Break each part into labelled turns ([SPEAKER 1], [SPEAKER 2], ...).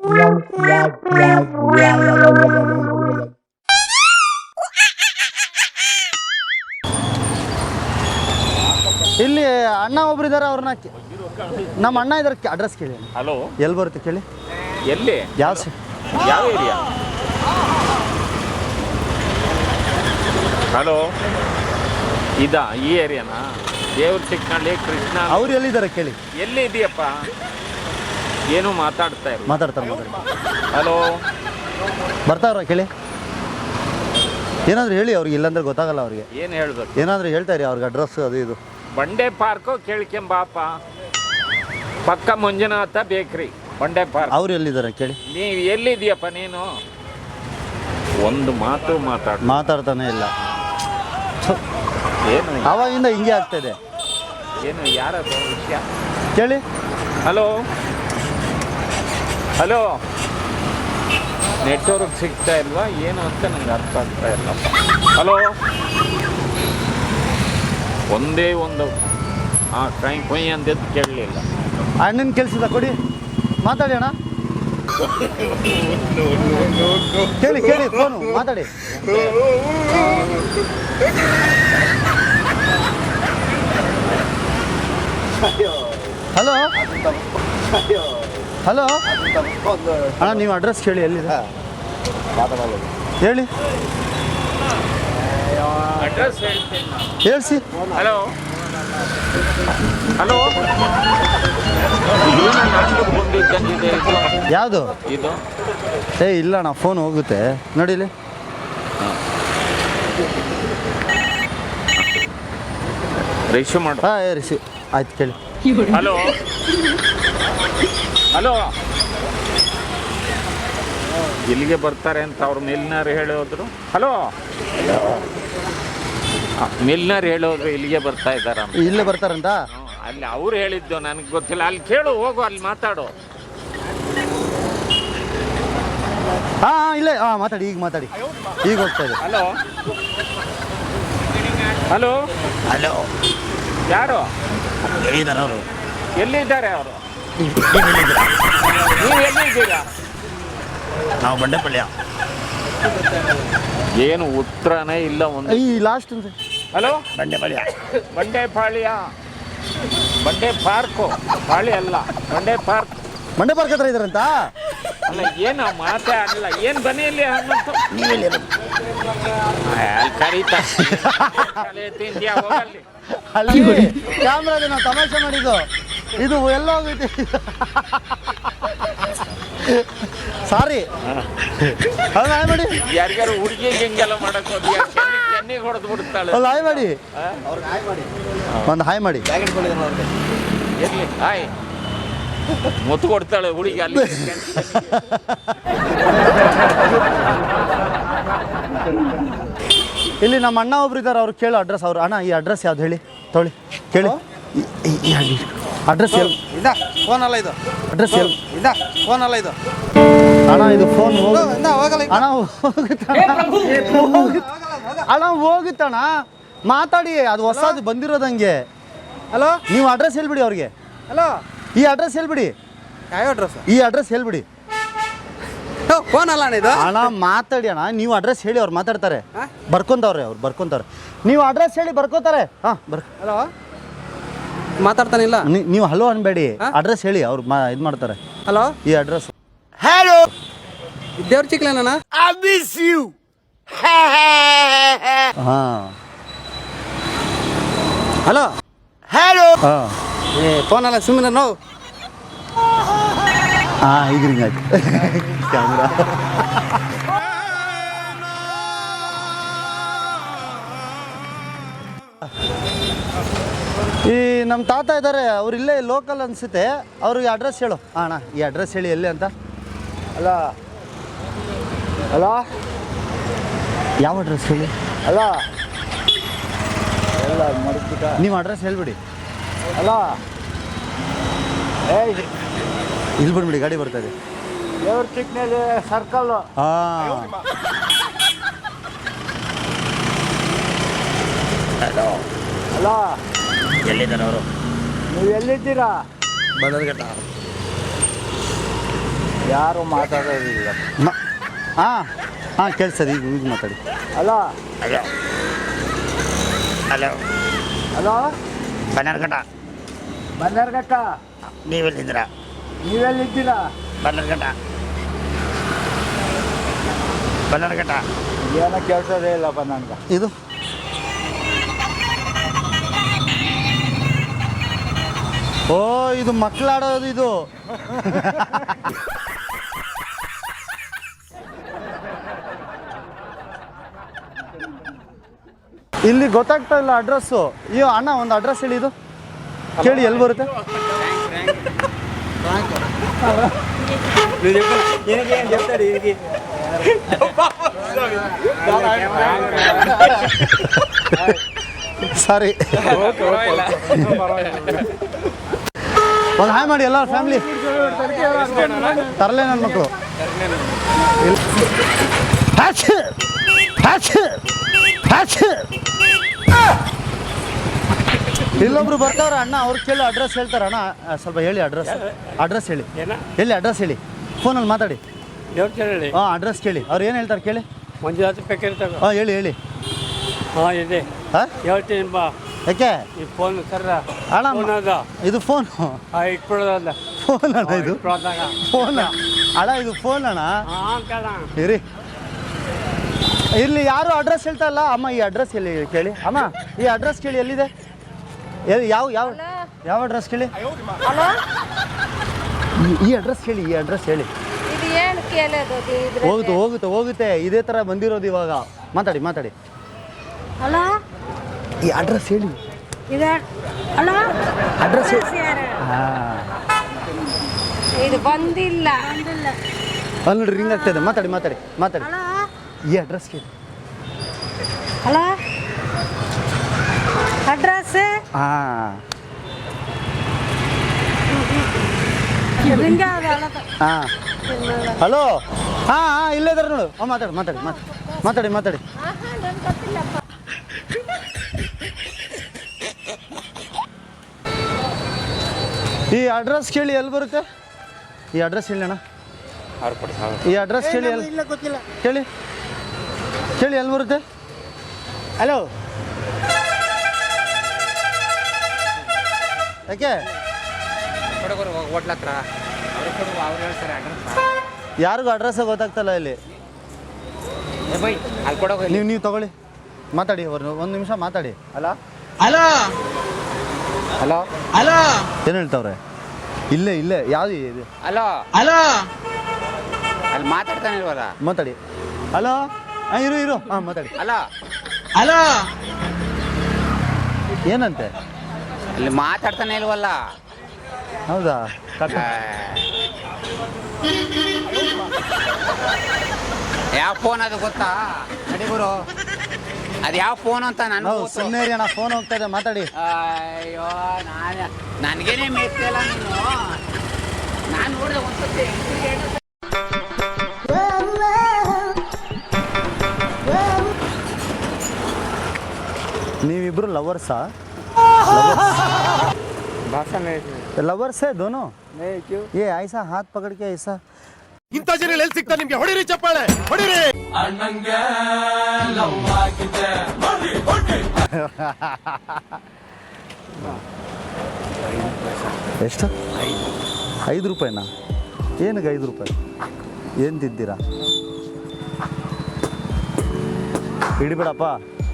[SPEAKER 1] ಇಲ್ಲಿ ಅಣ್ಣ ಒಬ್ರು ಇದಾರೆ, ಅವ್ರನ್ನ ನಮ್ಮ ಅಣ್ಣ ಇದಾರೆ, ಅಡ್ರೆಸ್ ಕೇಳಿ.
[SPEAKER 2] ಹಲೋ,
[SPEAKER 1] ಎಲ್ಲಿ ಬರುತ್ತೆ ಕೇಳಿ?
[SPEAKER 2] ಎಲ್ಲಿ? ಯಾವ ಏರಿಯಾ? ಹಲೋ, ಇದಾ ಈ ಏರಿಯಾನಾ? ದೇವ್ರ ಚಿಕ್ಕನಹಳ್ಳಿ, ಕೃಷ್ಣ.
[SPEAKER 1] ಅವ್ರು ಎಲ್ಲಿದ್ದಾರೆ ಕೇಳಿ?
[SPEAKER 2] ಎಲ್ಲಿ ಇದೆಯಪ್ಪ? ಏನು ಮಾತಾಡ್ತಾರೆ?
[SPEAKER 1] ಮಾತಾಡ್ತಾರೆ.
[SPEAKER 2] ಹಲೋ,
[SPEAKER 1] ಬರ್ತಾವ್ರ ಕೇಳಿ? ಏನಾದ್ರು ಹೇಳಿ ಅವ್ರಿಗೆ, ಇಲ್ಲಾಂದ್ರೆ ಗೊತ್ತಾಗಲ್ಲ ಅವ್ರಿಗೆ.
[SPEAKER 2] ಏನು ಹೇಳ್ಬೇಕು?
[SPEAKER 1] ಏನಾದರೂ ಹೇಳ್ತಾ ಇರಿ ಅವ್ರಿಗೆ, ಅಡ್ರೆಸ್ ಅದು ಇದು.
[SPEAKER 2] ಬಂಡೆ ಪಾರ್ಕು ಕೇಳ್ಕೊಂಬಾಪ, ಪಕ್ಕ ಮಂಜುನಾಥ ಬೇಕ್ರಿ, ಬಂಡೆ ಪಾರ್ಕ್.
[SPEAKER 1] ಅವ್ರು ಎಲ್ಲಿದ್ದಾರೆ ಕೇಳಿ?
[SPEAKER 2] ನೀವು ಎಲ್ಲಿದೆಯಪ್ಪ ನೀನು? ಒಂದು ಮಾತು
[SPEAKER 1] ಮಾತಾಡ್ತಾನೆ ಇಲ್ಲ.
[SPEAKER 2] ಏನು
[SPEAKER 1] ಅವಾಗಿಂದ ಹಿಂಗೆ ಆಗ್ತಾಯಿದೆ.
[SPEAKER 2] ಏನು ಯಾರದು ವಿಷಯ
[SPEAKER 1] ಕೇಳಿ?
[SPEAKER 2] ಹಲೋ ಹಲೋ, ನೆಟ್ವರ್ಕ್ ಸಿಗ್ತಾ ಇಲ್ವಾ ಏನು ಅಂತ ನಂಗೆ ಅರ್ಥ ಆಗ್ತಾ ಇಲ್ಲ. ಹಲೋ, ಒಂದೇ ಒಂದು ಕೈ ಕೊಯ್ ಅಂದಿದ್ದು ಕೇಳಲಿಲ್ಲ.
[SPEAKER 1] ಅಣ್ಣನ ಕೆಲ್ಸದ ಕೊಡಿ, ಮಾತಾಡಿ ಅಣ್ಣ. ಕೇಳಿ ಕೇಳಿ, ಫೋನು ಮಾತಾಡಿ. ಹಲೋ ಹಲೋ ಅಣ್ಣ, ನೀವು ಅಡ್ರೆಸ್ ಕೇಳಿ, ಎಲ್ಲಿದೆ ಹೇಳಿ?
[SPEAKER 2] ಅಡ್ರೆಸ್ ಹೇಳ್ತೀನಿ
[SPEAKER 1] ಹೇಳ್ಸಿ.
[SPEAKER 2] ಹಲೋ ಹಲೋ, ಬಂದಿದ್ದಂಗಿದೆ ಇದು.
[SPEAKER 1] ಯಾವುದು
[SPEAKER 2] ಇದು?
[SPEAKER 1] ಇಲ್ಲ ಅಣ್ಣ, ಫೋನ್ ಹೋಗುತ್ತೆ ನೋಡಿಲಿ.
[SPEAKER 2] ರಿಸೀವ್ ಮಾಡು.
[SPEAKER 1] ಹಾಂ ರಿಸೀವ್ ಆಯ್ತು, ಕೇಳಿ.
[SPEAKER 2] ಹಲೋ ಹಲೋ, ಇಲ್ಲಿಗೆ ಬರ್ತಾರೆ ಅಂತ ಅವ್ರು ಮಿಲ್ನರ್ ಹೇಳೋದ್ರು. ಹಲೋ, ಮಿಲ್ನರ್ ಹೇಳೋದ್ರು ಇಲ್ಲಿಗೆ ಬರ್ತಾ ಇದ್ದಾರ.
[SPEAKER 1] ಇಲ್ಲೇ ಬರ್ತಾರಂತ
[SPEAKER 2] ಅಲ್ಲಿ ಅವ್ರು ಹೇಳಿದ್ದು ನನಗೆ ಗೊತ್ತಿಲ್ಲ. ಅಲ್ಲಿ ಕೇಳು, ಹೋಗು, ಅಲ್ಲಿ ಮಾತಾಡು.
[SPEAKER 1] ಹಾಂ ಇಲ್ಲೇ, ಮಾತಾಡಿ, ಈಗ ಮಾತಾಡಿ, ಈಗ ಹೋಗ್ತಾ ಇದೆ.
[SPEAKER 2] ಹಲೋ ಹಲೋ
[SPEAKER 3] ಹಲೋ,
[SPEAKER 2] ಯಾರು?
[SPEAKER 3] ಎಲ್ಲಿದ್ದಾರೆ ಅವರು?
[SPEAKER 2] ಎಲ್ಲಿದ್ದಾರೆ ಅವರು? ನೀವು ಎಲ್ಲಿದ್ದೀರಾ?
[SPEAKER 3] ನಾವು ಬಂಡೆಪಳ್ಯ.
[SPEAKER 2] ಏನು ಉತ್ತರನೇ ಇಲ್ಲ ಒಂದು.
[SPEAKER 1] ಈ ಲಾಸ್ಟ್
[SPEAKER 2] ಹಲೋ,
[SPEAKER 3] ಬಂಡೆಪಳ್ಯ.
[SPEAKER 2] ಬಂಡೆಪಾಳ್ಯ, ಬಂಡೆ ಪಾರ್ಕು, ಪಾಳಿ ಅಲ್ಲ, ಬಂಡೆ ಪಾರ್ಕ್.
[SPEAKER 1] ಮಂಡ್ಯ ಪಾರ್ಕ್ ಹತ್ರ ಇದಾರಂತ.
[SPEAKER 2] ಅಲ್ಲ, ಏನು ಮಾತೇ ಆಗಲ್ಲ. ಏನು ಬನ್ನಿ ಇಲ್ಲಿ ಹನುಮಂತು,
[SPEAKER 3] ನೀವೆಲ್ಲಿ?
[SPEAKER 2] ಅಲ್ಲಿ ಕರೀತಾರೆ ತಿಂದ್ಯಾ, ಹೋಗಲ್ಲಿ.
[SPEAKER 1] ಅಲ್ಲಿ ಕ್ಯಾಮ್ರಾಗೆ ನಾವು ತಮಾಷೆ ಮಾಡಿದ್ದು, ಇದು ಎಲ್ಲ ಹೋಗೈತಿ. ಸಾರಿ, ಅದು ಹಾಯ್ ಮಾಡಿ.
[SPEAKER 2] ಯಾರಿಗಾರು ಹುಡುಗಿಗೆ ಹಿಂಗೆಲ್ಲ ಮಾಡಕ್ ಹೋದ್ಯಾ? ಕೆನ್ನಿಗೆ ಹೊಡೆದು ಬಿಡ್ತಾಳೆ.
[SPEAKER 1] ಒಂದು ಹಾಯ್ ಮಾಡಿ, ಒಂದು ಹಾಯ್ ಮಾಡಿ.
[SPEAKER 2] ಇರ್ಲಿ, ಹಾಯ್ ಮುತ್ತು ಕೊಡ್ತಾಳೆ ಹುಡುಗಿ ಅಲ್ಲಿ.
[SPEAKER 1] ಇಲ್ಲಿ ನಮ್ಮ ಅಣ್ಣ ಒಬ್ರು ಇದ್ದಾರೆ, ಅವ್ರು ಕೇಳೋ ಅಡ್ರೆಸ್. ಅವ್ರು ಅಣ್ಣ ಈ ಅಡ್ರೆಸ್ ಯಾವ್ದು ಹೇಳಿ, ತೊಳಿ ಕೇಳಿ. ಅಡ್ರೆಸ್ ಎಲ್ಲಿ?
[SPEAKER 4] ಫೋನ್ ಅಲ್ಲ ಇದು.
[SPEAKER 1] ಅಡ್ರೆಸ್ ಎಲ್ಲಿ?
[SPEAKER 4] ಫೋನ್ ಅಲ್ಲ ಇದು.
[SPEAKER 1] ಅಣ್ಣ ಇದು ಫೋನ್
[SPEAKER 4] ಹೋಗಲ್ಲ.
[SPEAKER 1] ಅಣ್ಣ ಅಣ್ಣ ಹೋಗುತ್ತಣ್ಣ, ಮಾತಾಡಿ. ಅದು ಹೊಸದು ಬಂದಿರೋದಂಗೆ.
[SPEAKER 4] ಹಲೋ,
[SPEAKER 1] ನೀವು ಅಡ್ರೆಸ್ ಹೇಳ್ಬಿಡಿ ಅವ್ರಿಗೆ.
[SPEAKER 4] ಹಲೋ,
[SPEAKER 1] ಈ ಅಡ್ರೆಸ್ ಹೇಳ್ಬಿಡಿ.
[SPEAKER 4] ಯಾವ ಅಡ್ರೆಸ್?
[SPEAKER 1] ಈ ಅಡ್ರೆಸ್ ಹೇಳ್ಬಿಡಿ.
[SPEAKER 4] ಫೋನ್ ಅಲ್ಲ ಇದು.
[SPEAKER 1] ಅಣ್ಣ ಮಾತಾಡಿ ಅಣ್ಣ, ನೀವು ಅಡ್ರೆಸ್ ಹೇಳಿ, ಅವ್ರು ಮಾತಾಡ್ತಾರೆ. ಬರ್ಕೊಂತವ್ರೆ, ಅವ್ರು ಬರ್ಕೊಂತಾರೆ. ನೀವು ಅಡ್ರೆಸ್ ಹೇಳಿ, ಬರ್ಕೋತಾರೆ. ಹಾಂ
[SPEAKER 4] ಹಲೋ, ಮಾತಾಡ್ತಾನಿಲ್ಲ.
[SPEAKER 1] ನೀವು ಹಲೋ ಅನ್ಬೇಡಿ, ಅಡ್ರೆಸ್ ಹೇಳಿ, ಅವ್ರು ಇದು ಮಾಡ್ತಾರೆ.
[SPEAKER 4] ಹಲೋ,
[SPEAKER 1] ಈ ಅಡ್ರೆಸ್.
[SPEAKER 3] ಹಲೋ,
[SPEAKER 4] ದೇವ್ರ ಚಿಕ್ಲೇನ?
[SPEAKER 3] I miss you.
[SPEAKER 1] ಹಾಂ
[SPEAKER 4] ಹಲೋ
[SPEAKER 3] ಹಲೋ.
[SPEAKER 1] ಹಾಂ
[SPEAKER 4] ಫೋನ್ ಅಲ್ಲ, ಸುಮ್ಮನೆ ನೋವು.
[SPEAKER 1] ಹಾಂ ಈಗ ಹಿಂಗಾಯ್ತು ಕ್ಯಾಮ್ರಾ. ಈ ನಮ್ಮ ತಾತ ಇದ್ದಾರೆ, ಅವ್ರು ಇಲ್ಲೇ ಲೋಕಲ್ ಅನಿಸುತ್ತೆ. ಅವ್ರಿಗೆ ಅಡ್ರೆಸ್ ಹೇಳು. ಅಣ್ಣ ಈ ಅಡ್ರೆಸ್ ಹೇಳಿ, ಎಲ್ಲಿ ಅಂತ.
[SPEAKER 4] ಅಲ್ಲ ಹಲೋ,
[SPEAKER 1] ಯಾವ ಅಡ್ರೆಸ್ ಹೇಳಿ?
[SPEAKER 4] ಅಲ್ಲ ಎಲ್ಲ ಮಡಿಸ್ಬಿಟ್ಟ.
[SPEAKER 1] ನೀವು ಅಡ್ರೆಸ್ ಹೇಳ್ಬಿಡಿ.
[SPEAKER 4] ಅಲ್ಲ,
[SPEAKER 1] ಇಲ್ಲಿ ಬಂದ್ಬಿಡಿ, ಗಾಡಿ ಬರ್ತಾ ಇದೆ.
[SPEAKER 4] ದೇವ್ರ ಚಿಕ್ನಲ್ಲಿ ಸರ್ಕಲ್ಲು.
[SPEAKER 1] ಹಾಂ
[SPEAKER 3] ಹಲೋ,
[SPEAKER 4] ಅಲ್ಲ,
[SPEAKER 3] ಎಲ್ಲಿದ್ದಾರೆ ಅವರು?
[SPEAKER 4] ನೀವು ಎಲ್ಲಿದ್ದೀರಾ?
[SPEAKER 3] ಬದಲ್ಘಟ್ಟ.
[SPEAKER 4] ಯಾರು ಮಾತಾಡೋದಿಲ್ಲ.
[SPEAKER 1] ಹಾಂ ಹಾಂ ಕೇಳಿಸ್ತದೆ ಈಗ ಮಾತಾಡಿ.
[SPEAKER 4] Hello
[SPEAKER 3] hello hello
[SPEAKER 4] hello
[SPEAKER 3] Bannerghatta.
[SPEAKER 4] Bannerghatta.
[SPEAKER 3] ನೀವೆಲ್ಲಿದ್ದೀರಾ?
[SPEAKER 4] ನೀವೆಲ್ಲಿದ್ದೀರಾ?
[SPEAKER 3] ಬನ್ನರ್ಘಟ್ಟ ಬನ್ನರ್ಘಟ್ಟ.
[SPEAKER 4] ಏನೋ ಕೇಳ್ಸೋದೇ ಇಲ್ಲಪ್ಪ ನನಗೆ.
[SPEAKER 1] ಇದು ಓ ಇದು ಮಕ್ಕಳಾಡೋದು ಇದು. ಇಲ್ಲಿ ಗೊತ್ತಾಗ್ತಾ ಇಲ್ಲ ಅಡ್ರೆಸ್ಸು. ಅಯ್ಯೋ ಅಣ್ಣ ಒಂದು ಅಡ್ರೆಸ್ ಹೇಳಿ, ಇದು ಕೇಳಿ ಎಲ್ಲಿ ಬರುತ್ತೆ. ಸಾರಿ, ಒಂದು ಹಾಯ್ ಮಾಡಿ ಎಲ್ಲ ಫ್ಯಾಮಿಲಿ. ತರಲೆ ನನ್ನ ಮಕ್ಕಳು. ಇಲ್ಲೊಬ್ರು ಬರ್ತಾವ್ರ ಅಣ್ಣ, ಅವ್ರು ಕೇಳಿ ಅಡ್ರೆಸ್ ಹೇಳ್ತಾರ. ಅಣ್ಣ ಸ್ವಲ್ಪ ಹೇಳಿ ಅಡ್ರೆಸ್ ಹೇಳಿ. ಎಲ್ಲಿ ಅಡ್ರೆಸ್ ಹೇಳಿ, ಫೋನಲ್ಲಿ ಮಾತಾಡಿ. ಹಾಂ ಅಡ್ರೆಸ್ ಕೇಳಿ, ಅವ್ರು ಏನು ಹೇಳ್ತಾರೆ ಕೇಳಿ.
[SPEAKER 4] ಮಂಜುನಾಥ ಪ್ಯಾಕೆಟ್.
[SPEAKER 1] ಹಾಂ ಹೇಳಿ.
[SPEAKER 4] ಹಾಂ ಇದೆ,
[SPEAKER 1] ಹಾಂ
[SPEAKER 4] ಹೇಳ್ತೀನಿ ಬಾ.
[SPEAKER 1] ಯಾಕೆ
[SPEAKER 4] ಈ ಫೋನ್ ಸರ್
[SPEAKER 1] ಅಣ್ಣ ಇದು ಫೋನ್
[SPEAKER 4] ಇಟ್ಬಿಡೋದಲ್ಲ.
[SPEAKER 1] ಫೋನ್ ಅಣ್ಣ ಇದು ಫೋನ್ ಅಣ್ಣ, ಇದು ಫೋನ್ ಅಣ್ಣ. ಇರಿ ಇಲ್ಲಿ ಯಾರು ಅಡ್ರೆಸ್ ಹೇಳ್ತಾ ಇಲ್ಲ. ಅಮ್ಮ ಈ ಅಡ್ರೆಸ್ ಎಲ್ಲಿ ಕೇಳಿ. ಅಮ್ಮ ಈ ಅಡ್ರೆಸ್ ಕೇಳಿ, ಎಲ್ಲಿದೆ? ಯಾವ ಯಾವ ಯಾವ ಅಡ್ರೆಸ್ ಕೇಳಿ. ಈ ಅಡ್ರೆಸ್ ಕೇಳಿ, ಈ ಅಡ್ರೆಸ್ ಹೇಳಿ. ಹೋಗುತ್ತೆ ಇದೇ ಥರ ಬಂದಿರೋದು ಇವಾಗ. ಮಾತಾಡಿ.
[SPEAKER 5] ಹಲೋ,
[SPEAKER 1] ಈ ಅಡ್ರೆಸ್ ಹೇಳಿ. ಅಡ್ರೆಸ್ ಹಾಂ
[SPEAKER 5] ಇದು ಬಂದಿಲ್ಲ.
[SPEAKER 1] ಅಲ್ಲಿ ನೋಡ್ರಿ ರಿಂಗ್ ಆಗ್ತಾಯಿದೆ. ಮಾತಾಡಿ. ಈ ಅಡ್ರೆಸ್ ಕೇಳಿ.
[SPEAKER 5] ಹಲೋ, ಅಡ್ರೆಸ್
[SPEAKER 1] ಹಾಂ ಹಾಂ ಹಲೋ ಹಾಂ ಇಲ್ಲೇ ಇದಾರೆ ನೋಡು. ಮಾತಾಡಿ. ಈ ಅಡ್ರೆಸ್ ಕೇಳಿ ಎಲ್ಲಿ ಬರುತ್ತೆ. ಈ ಅಡ್ರೆಸ್ ಹೇಳಿ ಅಣ್ಣ. ಈ ಅಡ್ರೆಸ್ ಕೇಳಿ ಕೇಳಿ ಎಲ್ಲಿ ಬರುತ್ತೆ. ಹಲೋ ಯಾಕೆ ಯಾರಿಗೂ ಅಡ್ರೆಸ್ ಗೊತ್ತಾಗ್ತಲ್ಲ ಇಲ್ಲಿ. ನೀವು ತಗೊಳ್ಳಿ, ಮಾತಾಡಿ. ಒಂದು ನಿಮಿಷ ಮಾತಾಡಿ. ಹಲೋ ಏನು ಹೇಳ್ತಾವ್ರೆ? ಇಲ್ಲೇ ಯಾವ್ದು ಇದು?
[SPEAKER 2] ಹಲೋ ಅಲ್ಲಿ ಮಾತಾಡ್ತಾನೆ ಇಲ್ವಲ್ಲ,
[SPEAKER 1] ಮಾತಾಡಿ. ಹಲೋ ಇರು ಹಾಂ ಮಾತಾಡಿ.
[SPEAKER 2] ಹಲೋ
[SPEAKER 1] ಏನಂತೆ?
[SPEAKER 2] ಅಲ್ಲಿ ಮಾತಾಡ್ತಾನೆ ಇಲ್ವಲ್ಲ.
[SPEAKER 1] ಹೌದಾ?
[SPEAKER 2] ಯಾವ ಫೋನ್ ಅದು ಗೊತ್ತಾ? ನಡಿಗುರು, ಅದು ಯಾವ ಫೋನ್ ಅಂತ ನಾನು
[SPEAKER 1] ಸುಮ್ಮನೆ ಅಣ್ಣ, ಫೋನ್ ಹೋಗ್ತಾ ಇದೆ, ಮಾತಾಡಿ.
[SPEAKER 2] ಅಯ್ಯೋ ನನಗೇನೆ ಮೇಯ್ತಿಲ್ಲ ನೀನು. ನಾನು ನೋಡಿದೆ ಒಂದ್ಸತಿ.
[SPEAKER 1] ನೀವಿಬ್ರು ಲವರ್ಸಾ? लवर्स है दोनों?
[SPEAKER 4] नहीं, क्यों?
[SPEAKER 1] ये ऐसा हाथ पकड़ के ऐसा
[SPEAKER 3] ಇಂಥ ಜನ ಎಲ್ಲಿ ಸಿಗ್ತಾ ನಿಮ್ಗೆ? ಹೊಡಿರಿ ಚಪ್ಪಾಳೆ, ಹೊಡಿರಿ.
[SPEAKER 1] ಎಷ್ಟು? 5 ರೂಪಾಯಿನಾ? ಏನಕ್ಕೆ 5 ರೂಪಾಯಿ? ಏನು ತಿಂತೀರಾ? ಹಿಡಿಬೇಡಪ್ಪ.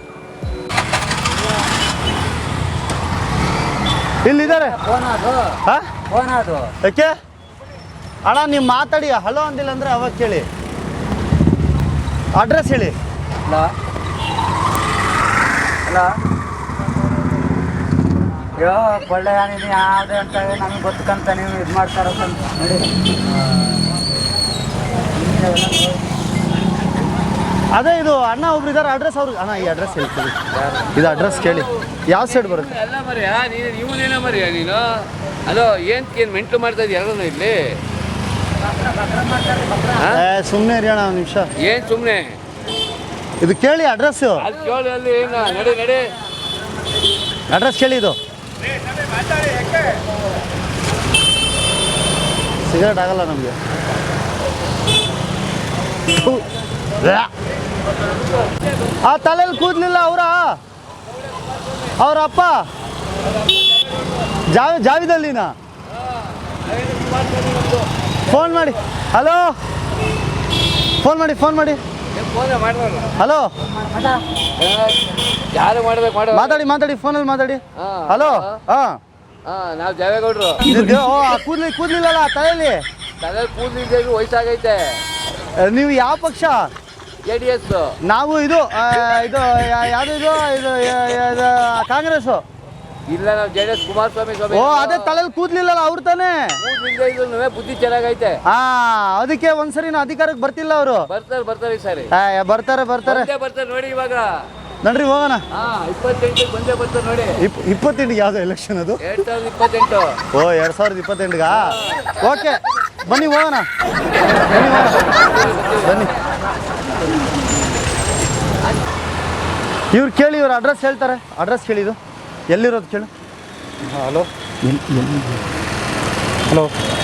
[SPEAKER 1] ಇಲ್ಲಿದ್ದಾರೆ.
[SPEAKER 4] ಫೋನ್ ಅದು
[SPEAKER 1] ಯಾಕೆ ಅಣ್ಣ ನೀವು ಮಾತಾಡಿ. ಹಲೋ ಅಂದಿಲ್ಲ ಅಂದ್ರೆ ಅವಾಗ ಕೇಳಿ. ಅಡ್ರೆಸ್ ಹೇಳಿ.
[SPEAKER 4] ಹಲೋ ಯೋ ಒಳ್ಳೆ ನೀನು ಯಾವುದೇ ಅಂತ ನಮಗೆ ಗೊತ್ತಕ್ಕಂತ ನೀವು ಇದು ಮಾಡ್ತಾರಂತ ನೋಡಿ.
[SPEAKER 1] ಅದೇ ಇದು ಅಣ್ಣ ಒಬ್ರು ಇದ್ದಾರೆ. ಅಡ್ರೆಸ್ ಅವ್ರಿಗೆ ಅಣ್ಣ ಈ ಅಡ್ರೆಸ್ ಹೇಳ್ತೀವಿ. ಇದು ಅಡ್ರೆಸ್ ಕೇಳಿ. ಯಾವ ಸೈಡ್ ಬರುತ್ತೆ?
[SPEAKER 6] ಎಲ್ಲ ಮರಿಯಾ ನೀನು, ಇವನೇನೋ ಮರಿಯಾ ನೀನು. ಅಲೋ ಏನು ಮೆಂಟ್ಲು ಮಾಡ್ತಾ ಇದ್ದೀಯ ಎಲ್ಲರೂ ಇಲ್ಲಿ?
[SPEAKER 1] ಸುಮ್ಮನೆ ಇರಿ ಅಣ್ಣ ಒಂದು ನಿಮಿಷ.
[SPEAKER 6] ಏನು ಸುಮ್ಮನೆ
[SPEAKER 1] ಇದು ಕೇಳಿ ಅಡ್ರೆಸ್ಸು.
[SPEAKER 6] ಅಲ್ಲಿ ಕೇಳಿ ಅಲ್ಲಿ ಏನು ನಡೆ
[SPEAKER 1] ಅಡ್ರೆಸ್ ಕೇಳಿ. ಇದು ಸಿಗರೇಟ್ ಆಗಲ್ಲ ನಮಗೆ. ಆ ತಲೆಯಲ್ಲಿ ಕೂದಲಿಲ್ಲ ಅವ್ರ ಅಪ್ಪ ಜಾವಿದಲ್ಲಿನ ಫೋನ್ ಮಾಡಿ. ಹಲೋ, ಫೋನ್ ಮಾಡಿ
[SPEAKER 6] ಫೋನ್ ಮಾಡಿದ್ರಲ್ಲ,
[SPEAKER 1] ಹಲೋ,
[SPEAKER 6] ಯಾರು ಮಾಡ್ಬೇಕು
[SPEAKER 1] ಮಾತಾಡಿ ಫೋನಲ್ಲಿ ಮಾತಾಡಿ. ಹಲೋ,
[SPEAKER 6] ನಾವು ದೇವೇಗೌಡರು.
[SPEAKER 1] ಕೂದಲಿಲ್ಲಲ್ಲ ತಲೆಯಲ್ಲಿ.
[SPEAKER 6] ತಲೆ ಕೂದಲಿದ್ದೇವೆ, ವಯಸ್ಸಾಗೈತೆ.
[SPEAKER 1] ನೀವು ಯಾವ ಪಕ್ಷ?
[SPEAKER 6] JDS.
[SPEAKER 1] ನಾವು ಇದು ಯಾವುದು ಇದು ಕಾಂಗ್ರೆಸ್.
[SPEAKER 6] ಇಲ್ಲ, ನಾವು JDS ಕುಮಾರಸ್ವಾಮಿ ಸ್ವಾಮಿ.
[SPEAKER 1] ಓ, ಅದೇ ತಲೆಯಲ್ಲಿ ಕೂದಲಿಲ್ಲಲ್ಲ ಅವ್ರು ತಾನೇ.
[SPEAKER 6] ಕೂದಲಿಂದ ಬುದ್ಧಿ ಚೆನ್ನಾಗೈತೆ.
[SPEAKER 1] ಅದಕ್ಕೆ ಒಂದ್ಸರಿ ಅಧಿಕಾರಕ್ಕೆ ಬರ್ತಿಲ್ಲ ಅವರು.
[SPEAKER 6] ಬರ್ತಾರೆ ಈ ಸಾರಿ.
[SPEAKER 1] ಬರ್ತಾರೆ
[SPEAKER 6] ನೋಡಿ ಇವಾಗ.
[SPEAKER 1] ನಡ್ರಿ ಹೋಗೋಣ.
[SPEAKER 6] 28 ಬಂದೇ ಬರ್ತಾರೆ ನೋಡಿ.
[SPEAKER 1] 28 ಯಾವ್ದು ಎಲೆಕ್ಷನ್ ಅದು?
[SPEAKER 6] 2028.
[SPEAKER 1] ಓ, 2028ಗಾ? ಓಕೆ, ಬನ್ನಿ ಹೋಗೋಣ. ಬನ್ನಿ. ಇವ್ರು ಕೇಳಿ, ಇವ್ರ ಅಡ್ರೆಸ್ ಹೇಳ್ತಾರೆ. ಅಡ್ರೆಸ್ ಕೇಳಿದು ಎಲ್ಲಿರೋದು ಕೇಳು. ಹಲೋ, ಹಲೋ,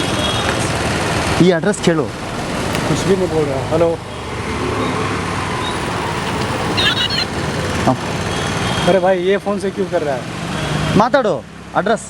[SPEAKER 1] ಈ ಅಡ್ರೆಸ್ ಕೇಳು. ಹಲೋ,
[SPEAKER 7] अरे भाई ये फ़ोन से क्यों कर रहा है?
[SPEAKER 1] ಮಾತಾಡು. ಅಡ್ರೆಸ್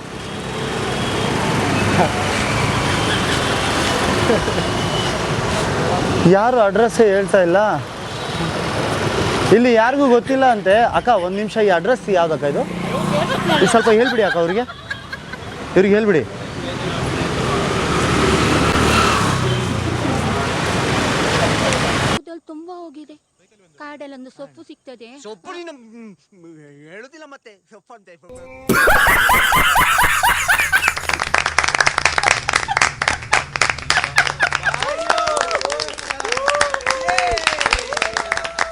[SPEAKER 1] ಯಾರು ಅಡ್ರೆಸ್ಸೇ ಹೇಳ್ತಾ ಇಲ್ಲ. ಇಲ್ಲಿ ಯಾರಿಗೂ ಗೊತ್ತಿಲ್ಲ ಅಂತೆ. ಅಕ್ಕ, ಒಂದು ನಿಮಿಷ, ಈ ಅಡ್ರೆಸ್ ಯಾವ್ದಕ್ಕ ಇದು? ಸ್ವಲ್ಪ ಹೇಳ್ಬಿಡಿ ಅಕ್ಕ ಇವ್ರಿಗೆ ಹೇಳ್ಬಿಡಿ.
[SPEAKER 8] ತುಂಬಾ ಹೋಗಿದೆ. ಕಾಡಲ್ಲೊಂದು ಸೊಪ್ಪು ಸಿಗ್ತದೆ.
[SPEAKER 3] ಸೊಪ್ಪು ಹೇಳುದಿಲ್ಲ ಮತ್ತೆ ಸೊಪ್ಪು ಅಂತ